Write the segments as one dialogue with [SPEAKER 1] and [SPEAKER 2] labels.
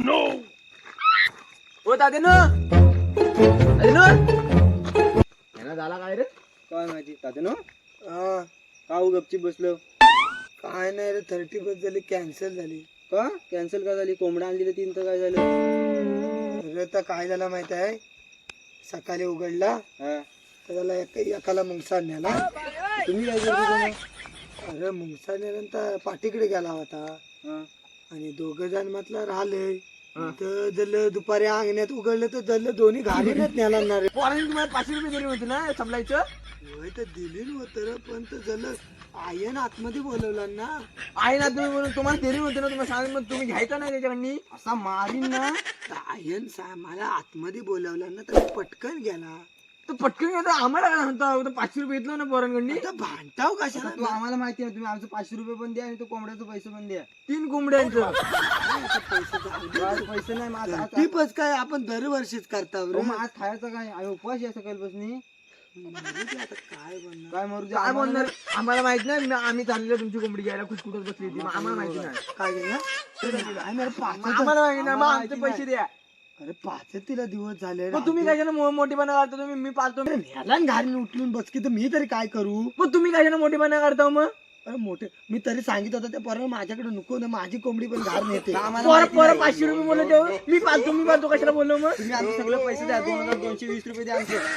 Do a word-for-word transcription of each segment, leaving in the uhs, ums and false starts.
[SPEAKER 1] ओ तात्यानो तात्यानो यांना झाला काय रे?
[SPEAKER 2] काय माहिती तात्यानो
[SPEAKER 3] हा
[SPEAKER 2] का हो गपचीप बसलो?
[SPEAKER 3] काय नाही रे, थर्टी बस झाली, कॅन्सल झाली.
[SPEAKER 2] का कॅन्सल का झाली? कोंबडा आणली तीन तर काय झालं?
[SPEAKER 3] अरे तर काय झालं माहित आहे, सकाळी उघडला
[SPEAKER 2] हा
[SPEAKER 3] तर त्याला एक एकाला मुंगसा नेला.
[SPEAKER 2] तुम्ही काय करतो कोण?
[SPEAKER 3] अरे मुंगसा नेल्यानंतर पाठीकडे गेला होता
[SPEAKER 2] हा
[SPEAKER 3] आणि दोघ जण म्हटलं राहिले तर जल दुपारी अंगण्यात उघडलं तर जल दोन्ही घालूनच नेला ना रे.
[SPEAKER 1] पोरांनी तुम्हाला पाचशे रुपये दिले होते ना समजायचं.
[SPEAKER 3] होय तर दिली नव्हतं रे, पण तर जल आयन आतमध्ये बोलवला ना.
[SPEAKER 1] आहे ना तुम्ही म्हणून तुम्हाला दिली होते ना, तुम्हाला सांगितलं मग तुम्ही घ्यायचं नाही त्याच्याकडनी.
[SPEAKER 3] असा मारीन ना तर आयन सा मला आतमध्ये बोलवला ना तर पटकन गेला.
[SPEAKER 1] तर पटकन घेतो आम्हाला काय म्हणता, पाचशे रुपये घेतलं ना पोरांकडनी.
[SPEAKER 3] आता भांडताव कशाला?
[SPEAKER 2] तू आम्हाला माहिती आहे, तुम्ही आमचे पाचशे रुपये पण द्या आणि तो कोंबड्याचे पैसे पण द्या.
[SPEAKER 1] तीन कोंबड्यांचं
[SPEAKER 2] आज पैसे नाही मग आज- आज-
[SPEAKER 3] टिपच काय आपण दरवर्षीच करता
[SPEAKER 2] अहो, मग आज खायचं काय? आहे उपवास आहे सकाळपासून.
[SPEAKER 3] आता काय बनणार?
[SPEAKER 2] काय मरू दे
[SPEAKER 1] काय
[SPEAKER 2] आम्हाला.
[SPEAKER 1] बोलणार आम्हाला माहित नाही. मी- आम्ही चाललेलो तुमची कोंबडी घ्यायला, कुठकुठच बसली होती. मग आम्हाला माहिती नाही.
[SPEAKER 3] काय केलं? काय नाही रे, पाचच
[SPEAKER 1] आम्हाला माहिती नाही. मग आमचे पैसे द्या.
[SPEAKER 3] अरे पाचच तिला दिवस झाले.
[SPEAKER 1] मग तुम्ही कशाने मो- मोठेपणा काढता? तुम्ही मी पाळतो.
[SPEAKER 3] ह्याला घालून उठलून बस की, तर मी तरी काय करू?
[SPEAKER 1] मग तुम्ही कशाने मोठेपणा काढता मग?
[SPEAKER 3] अरे मोठे मी तरी सांगितलं होतं त्या पोराला माझ्याकडे नको ना, माझी कोंबडी पण घाल नेते.
[SPEAKER 1] पोरं पोरं पाचशे रुपये बोलले तेव्हा मी पाळतो मी पाळतो कशाला बोललो मग?
[SPEAKER 2] तुम्ही आमचे सगळे पैसे द्या. दोन हजार दोनशे वीस रुपये द्या आमचे.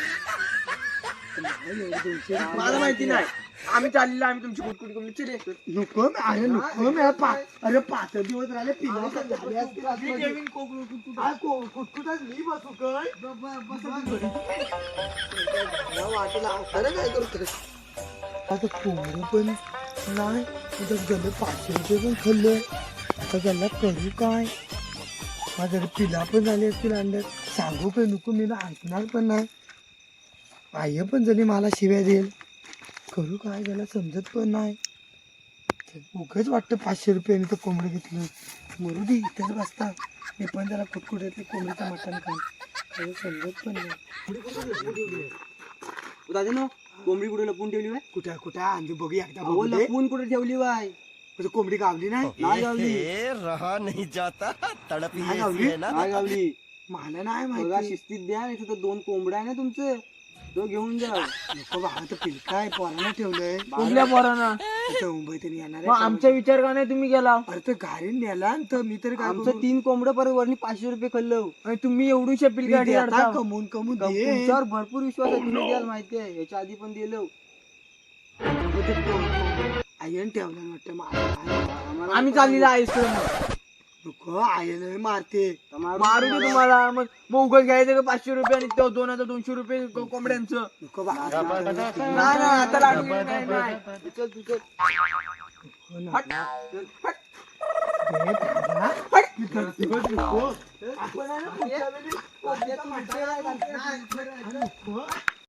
[SPEAKER 1] मला माहिती नाही. आम्ही चाललेलो, आम्ही तुमची कुटकुट कोंबडी चिरे.
[SPEAKER 3] नको अरे नको मी पा- अरे पाच दिवस राहिले पिला तर झाले असतील आतमध्ये. हा, को- कुटकुटात मी बसू काय? मला वाटलं अरे काय करतो आता कोंबडी पण नाही, आता गल्ले पाचशे रुपये पण खाल्ले. आता गल्ला करू काय? माझ्या पिला पण झाली असतील अंड्यात. सांगू काय नको, मी ना ऐकणार पण नाही. आई पण झाली मला शिव्या देईल. करू काय त्याला समजत पण नाही. उगाच वाटतं पाचशे रुपयाने तर कोंबडं घेतलं. मरू दे इथेच बसता, मी पण त्याला कुटकुट्यातले कोंबडीचं मटण खाईन. काही समजत पण नाही.
[SPEAKER 2] दादा कोंबडी कुठे लपून ठेवली बाय?
[SPEAKER 3] कुठं कुठं आणली बघू एकदा
[SPEAKER 2] अहो
[SPEAKER 3] बघू दे.
[SPEAKER 2] लपून कुठे ठेवली बाय?
[SPEAKER 3] म्हणजे कोंबडी गावली नाही?
[SPEAKER 2] नाही गावली.
[SPEAKER 4] रहा नहीं जाता, तड़प
[SPEAKER 3] नाही
[SPEAKER 4] ही
[SPEAKER 3] गावली?
[SPEAKER 4] ऐसी है ना।
[SPEAKER 2] नाही गावली.
[SPEAKER 3] मला नाही
[SPEAKER 2] बघा
[SPEAKER 3] माहिती.
[SPEAKER 2] शिस्तीत द्या, नाही तर दोन कोंबड्या आहे ना तुमचं, तो घेऊन जा.
[SPEAKER 3] नको बाळा, तर पिलकाय पोरानं ठेवलंय.
[SPEAKER 1] कुठल्या पोरांना?
[SPEAKER 3] आता मुंबई तरी येणार
[SPEAKER 1] मग
[SPEAKER 3] आहे.
[SPEAKER 1] आमचा विचार का नाही तुम्ही केला?
[SPEAKER 3] अरे तर गाडीने नेला आणि तर मी तरी काय
[SPEAKER 2] आमचं
[SPEAKER 3] करू?
[SPEAKER 2] तीन कोंबडं परत वरनी पाचशे रुपये खाल्लं.
[SPEAKER 1] आणि तुम्ही एवढी शपिल
[SPEAKER 3] मी
[SPEAKER 1] गाडी
[SPEAKER 3] देता
[SPEAKER 1] काढता.
[SPEAKER 3] कमवून कमवून दे.
[SPEAKER 2] तुमच्यावर भरपूर विश्वास आहे, तुम्ही द्याल माहिती आहे. याच्या आधी पण दिलं.
[SPEAKER 3] आयन ठेवला वाटतं मला.
[SPEAKER 1] आम्ही चाललेलो आईस्क्रीम.
[SPEAKER 3] नको आयन मारते.
[SPEAKER 1] मारू दे तुम्हाला. मग मग उगाच घ्यायचं का पाचशे रुपये आणि तो दोन हजार दोनशे रुपये को- कोंबड्यांचं?
[SPEAKER 3] नको बाळा.
[SPEAKER 1] नाही नाही आता लागू दे, नाही नाही.
[SPEAKER 2] चल तू चल.
[SPEAKER 1] हट. हट.
[SPEAKER 3] हट. नको.
[SPEAKER 1] आपण आहे ना पुढच्या वेळी-